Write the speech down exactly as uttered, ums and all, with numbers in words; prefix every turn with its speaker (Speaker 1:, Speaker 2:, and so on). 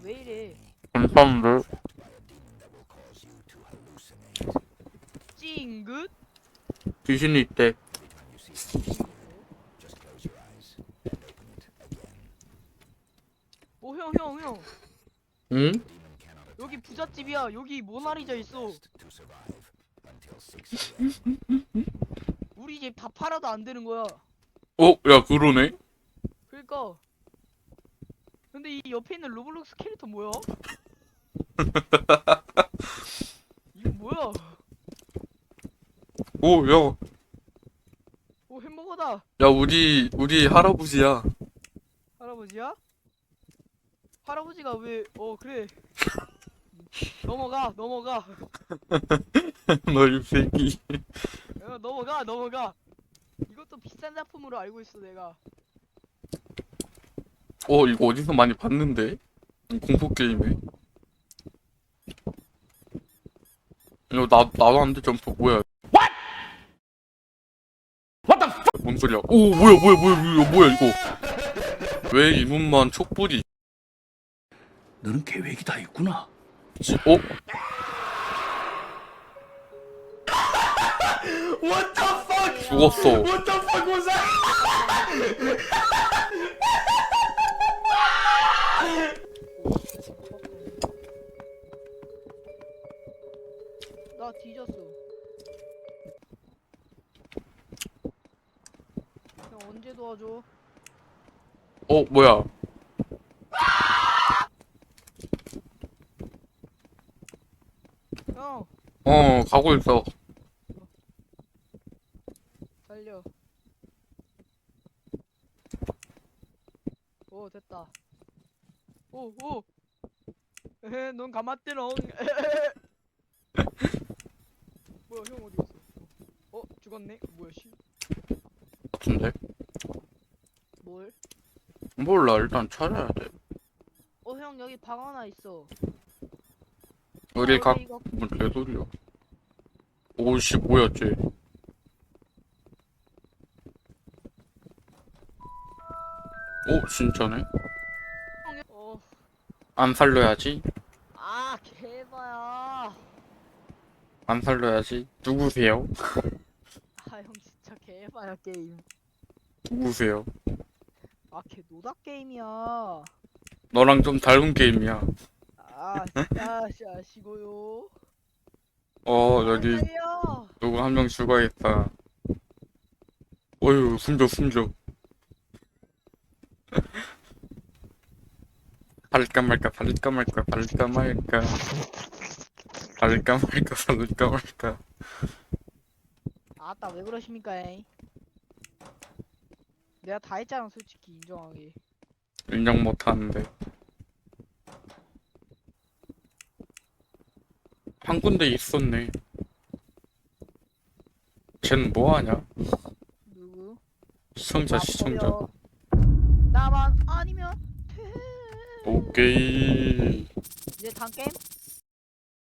Speaker 1: 왜 이래?
Speaker 2: 감사한데.
Speaker 1: 찡긋?
Speaker 2: 귀신이 있대.
Speaker 1: 오, 형, 형, 형.
Speaker 2: 응?
Speaker 1: 여기 부잣집이야. 여기 모나리자 있어. 우리 집 다 팔아도 안 되는 거야.
Speaker 2: 어? 야 그러네?
Speaker 1: 그러니까. 근데 이 옆에 있는 로블록스 캐릭터 뭐야? 이거 뭐야?
Speaker 2: 오 야.
Speaker 1: 오, 햄버거다.
Speaker 2: 야 우리 우리 할아버지야.
Speaker 1: 할아버지야? 할아버지가 왜? 어, 그래. 넘어가, 넘어가.
Speaker 2: 너 이 새끼.
Speaker 1: 어, 넘어가, 넘어가. 이것도 비싼 작품으로 알고 있어, 내가.
Speaker 2: 어 이거 어디서 많이 봤는데? 공포 게임에. 이거 나 나도 안 돼 점프 뭐야? 뭔 소리야? 오 뭐야 뭐야 뭐야 뭐야 뭐야 이거? 왜 이분만 촛불이
Speaker 3: 너는 계획이 다 있구나.
Speaker 2: 있지? 어?
Speaker 3: What the fuck?
Speaker 2: 죽었어.
Speaker 3: What the fuck was that?
Speaker 1: 나 뒤졌어. 형 언제 도와줘?
Speaker 2: 어 뭐야?
Speaker 1: 형
Speaker 2: 어 가고 있어.
Speaker 1: 달려. 오 됐다. 오오. 에헤 넌 가마떼롱. 뭐야 형 어디 있어? 어 죽었네. 뭐야 씨.
Speaker 2: 같은데?
Speaker 1: 뭘?
Speaker 2: 몰라 일단 찾아야 돼.
Speaker 1: 어 형 여기 방 하나 있어.
Speaker 2: 우리
Speaker 1: 아,
Speaker 2: 각
Speaker 1: 이거
Speaker 2: 뭔 개소리야? 오씨 뭐야 쟤? 오 진짜네?
Speaker 1: 어.
Speaker 2: 안 살려야지.
Speaker 1: 아 개봐야.
Speaker 2: 안 살려야지. 누구세요?
Speaker 1: 아 형 진짜 개봐야 게임.
Speaker 2: 누구세요?
Speaker 1: 아 개 노다 게임이야.
Speaker 2: 너랑 좀 닮은 게임이야.
Speaker 1: 아 진짜 씨 아시고요.
Speaker 2: 어 여기
Speaker 1: 살려.
Speaker 2: 누구 한 명 죽어야겠다. 어휴 숨져 숨져. 발릴까 말까 발릴까 말까 발릴까 말까 발릴까 말까 발릴까 말까.
Speaker 1: 아따 왜 그러십니까 에이. 내가 다 했잖아 솔직히 인정하게.
Speaker 2: 인정 못하는데. 한 군데 있었네. 쟨 뭐하냐?
Speaker 1: 누구?
Speaker 2: 시청자
Speaker 1: 나
Speaker 2: 시청자.
Speaker 1: 버려. 나만 아니면 돼.
Speaker 2: 오케이.
Speaker 1: 이제 단 게임?